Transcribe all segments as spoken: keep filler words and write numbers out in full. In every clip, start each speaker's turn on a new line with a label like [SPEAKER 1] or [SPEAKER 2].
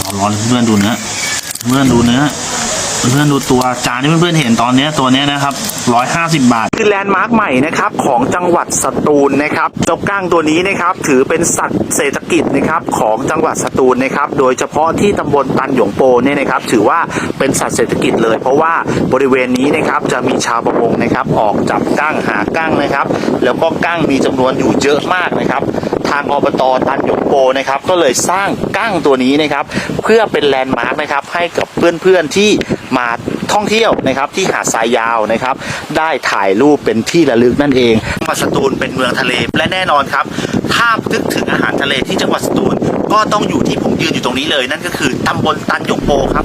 [SPEAKER 1] เอาร้อนเพื่อนดูเนื้อเพื่อนดูเนื้อเพื่อนดูตัวจานที่เพื่อนๆเห็นตอนนี้ตัวนี้นะครับร้อยห้าสิบบาทคือแลนด์มาร์คใหม่นะครับของจังหวัดสตูลนะครับเจ้ากั้งตัวนี้นะครับถือเป็นสัตว์เศรษฐกิจนะครับของจังหวัดสตูลนะครับโดยเฉพาะที่ตำบลตันหยงโปเนี่ยนะครับถือว่าเป็นสัตว์เศรษฐกิจเลยเพราะว่าบริเวณนี้นะครับจะมีชาวประมงนะครับออกจับกั้งหากั้งนะครับแล้วก็กั้งมีจำนวนอยู่เยอะมากนะครับทางอบต.ตันหยงโปนะครับก็เลยสร้างกั้งตัวนี้นะครับเพื่อเป็นแลนด์มาร์คนะครับให้กับเพื่อนๆที่มาท่องเที่ยวนะครับที่หาดทรายยาวนะครับได้ถ่ายรูปเป็นที่ระลึกนั่นเองจังหวัดสตูลเป็นเมืองทะเลและแน่นอนครับถ้านึกถึงอาหารทะเลที่จังหวัดสตูลก็ต้องอยู่ที่ผมยืนอยู่ตรงนี้เลยนั่นก็คือตำบลตันหยงโปครับ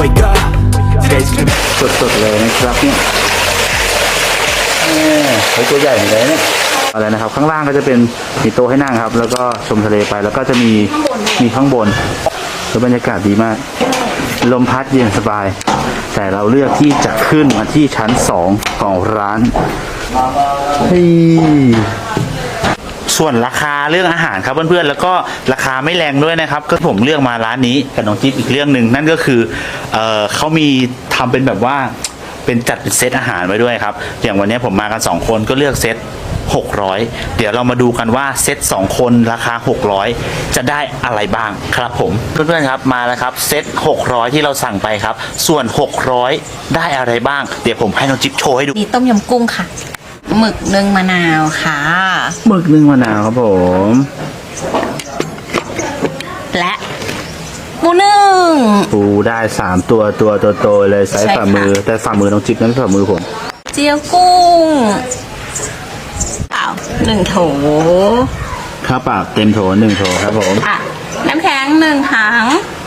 [SPEAKER 1] สดๆเลยนะครับเนี่ยเฮ้ยตัวใหญ่เหมือนกันเนี่ยอะไรนะครับข้างล่างก็จะเป็นมีโต๊ะให้นั่งครับแล้วก็ชมทะเลไปแล้วก็จะมีมีข้างบนแล้วบรรยากาศดีมากลมพัดเย็นสบายแต่เราเลือกที่จะขึ้นมาที่ชั้นสองของร้านส่วนราคาเรื่องอาหารครับเพื่อนๆแล้วก็ราคาไม่แรงด้วยนะครับก็ผมเลือกมาร้านนี้กับน้องจิ๊บอีกเรื่องหนึ่งนั่นก็คือเอ่อเขามีทำเป็นแบบว่าเป็นจัดเป็นเซตอาหารไว้ด้วยครับอย่างวันนี้ผมมากันสองคนก็เลือกเซตหกร้อยเดี๋ยวเรามาดูกันว่าเซตสองคนราคาหกร้อยจะได้อะไรบ้างครับผมเพื่อนๆครับมาแล้วครับเซตหกร้อยที่เราสั่งไปครับส่วนหกร้อยได้อะไรบ้างเดี๋ยวผมให้น้องจิ๊บโชว์ให้ดู
[SPEAKER 2] มีต้มยำกุ้งค่ะหมึกนึ่งมะนาวค่ะ
[SPEAKER 1] หมึกนึ่งมะนาวครับผม
[SPEAKER 2] และปูนึ่ง
[SPEAKER 1] ปูได้สามตัวตัวโตๆเลยไซส์ฝ่ามือแต่ฝ่ามือน้องจิ๊บนั้นฝ่ามือผม
[SPEAKER 2] เจียวกุ้งเปล่าหนึ่งโถ
[SPEAKER 1] ข้าวเปล่าเต็มโถหนึ่งโถครับผม
[SPEAKER 2] อ่ะน้ำแข็งหนึ่งถัง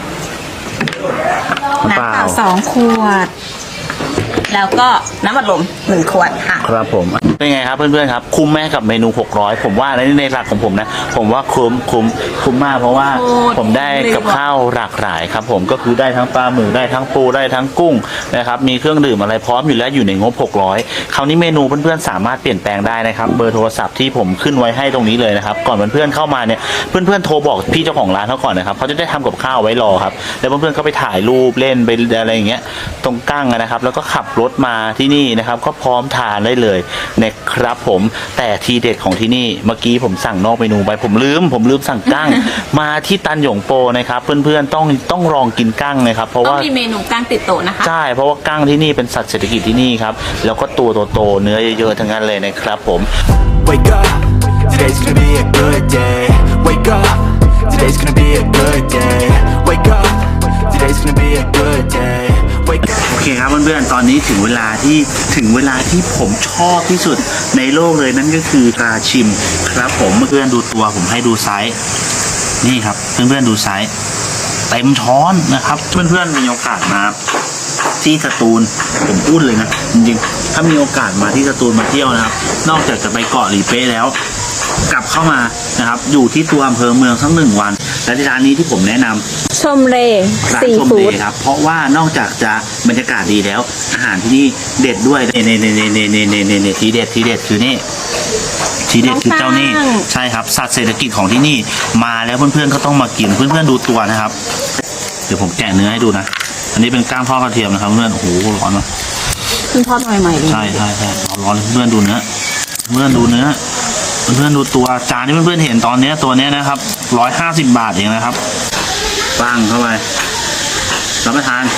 [SPEAKER 2] น้ำเปล่าสองขวดแล้วก็น้ำอัดลมหนึ่งขวดค่ะ
[SPEAKER 1] ครับผมเป็นไงครับเพื่อนๆครับคุ้มแม่กับเมนูหกร้อยผมว่าในในหลักของผมนะผมว่าคุ้มคุ้มคุ้มมากเพราะว่าผมได้กับข้าวหลากหลายครับผมก็คือได้ทั้งปลาหมึกได้ทั้งปูได้ทั้งกุ้งนะครับมีเครื่องดื่มอะไรพร้อมอยู่แล้วอยู่ในงบหกร้อยคราวนี้เมนูเพื่อนๆสามารถเปลี่ยนแปลงได้นะครับเบอร์โทรศัพท์ที่ผมขึ้นไว้ให้ตรงนี้เลยนะครับก่อนเพื่อนๆเข้ามาเนี่ยเพื่อนๆโทรบอกพี่เจ้าของร้านเขาก่อนนะครับเขาจะได้ทำกับข้าวไว้รอครับแล้วเพื่อนๆก็ไปถ่ายรูปเล่นไปอะไรอย่างเงี้ยตรงกั้งนะครับแล้วก็ขับรถมาที่นี่นะครับก็พร้อมทานได้เลยนะครับผมแต่ทีเด็ดของที่นี่เมื่อกี้ผมสั่งนอกเมนูไปผมลืมผมลืมสั่งกั้ง มาที่ตันหยงโปนะครับเพื่อนๆต้องต้องลองกินกั้งนะครับเพราะว่า
[SPEAKER 2] ต้องมีเมนูกั้งติดโต๊ะนะคะ
[SPEAKER 1] ใช่เพราะว่ากั้งที่นี่เป็นสัตว์เศรษฐกิจที่นี่ครับแล้วก็ตัวโตๆเนื้อเยอะๆทั้งนั้นเลยนะครับผม Wake up today's gonna be a good day Wake up today's gonna be a good day Wake up today's gonna be a good dayโอเคครับเพื่อนๆตอนนี้ถึงเวลาที่ถึงเวลาที่ผมชอบที่สุดในโลกเลยนั่นก็คือปลาชิมครับผมเพื่อนๆดูตัวผมให้ดูไซส์นี่ครับเพื่อนๆดูไซส์เต็มช้อนนะครับเพื่อนๆมีโอกาสมาที่สตูลผมพูดเลยนะจริงๆถ้ามีโอกาสมาที่สตูลมาเที่ยวนะครับนอกจากจะไปเกาะหลีเป้แล้วกลับเข้ามานะครับอยู่ที่ตัวอำเภอเมืองสักหนึ่งวันและที่ร้านนี้ที่ผมแนะนำ
[SPEAKER 2] ชมเร
[SPEAKER 1] ซีฟู้ดครับเพราะว่านอกจากจะบรรยากาศดีแล้วอาหารที่นี่เด็ดด้วยเนเนเนเนเนเนเนเนเนทีเด็ดทีเด็ดคือนี่ทีเด็ดคือเจ้านี่ใช่ครับสัตว์เศรษฐกิจของที่นี่มาแล้วเพื่อนๆก็ต้องมากินเพื่อนๆดูตัวนะครับเดี๋ยวผมแกะเนื้อให้ดูนะอันนี้เป็นก้างทอดกระเทียมนะครับเพื่อนโอ้โหร้อนมาก
[SPEAKER 2] เพิ่งทอดใหม่ๆเลย
[SPEAKER 1] ใช่ใช่ใช่ร้อนเพื่อนดูเนื้อเพื่อนดูเนื้อเพื่อนดูตัวจานที่เพื่อนๆเห็นตอนนี้ตัวนี้นะครับร้อยห้าสิบบาทเองนะครับปั้งเข้าไปรับประทาน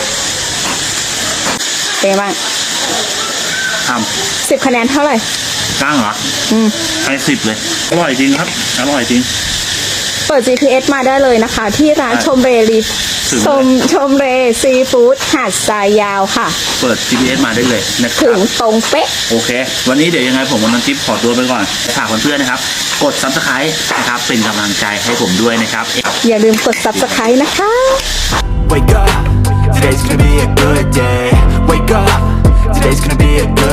[SPEAKER 2] เป็นบ้าง
[SPEAKER 1] ทำ
[SPEAKER 2] สิบคะแนนเท่าไหร่
[SPEAKER 1] ก้างเหรออืมให้สิบเลยอร่อยจริงครับอร่อยจริง
[SPEAKER 2] เปิด จี พี เอส มาได้เลยนะคะที่ร้านชมเรลีชมชมเรซีฟู้ดหาดทรายยาวค่ะ
[SPEAKER 1] เปิด จี พี เอส มาได้เลยนะครับ
[SPEAKER 2] ถึงตรงเป๊ะ
[SPEAKER 1] โอเควันนี้เดี๋ยวยังไงผมกับน้องจิ๊บขอตัวไปก่อนฝากเพื่อนๆนะครับกด ซับสไครบ์ นะครับเป็นกำลังใจให้ผมด้วยนะครับ
[SPEAKER 2] อย่าลืมกด ซับสไครบ์ นะคะ
[SPEAKER 3] Wake up today's gonna be a good day Wake up today's gonna be a good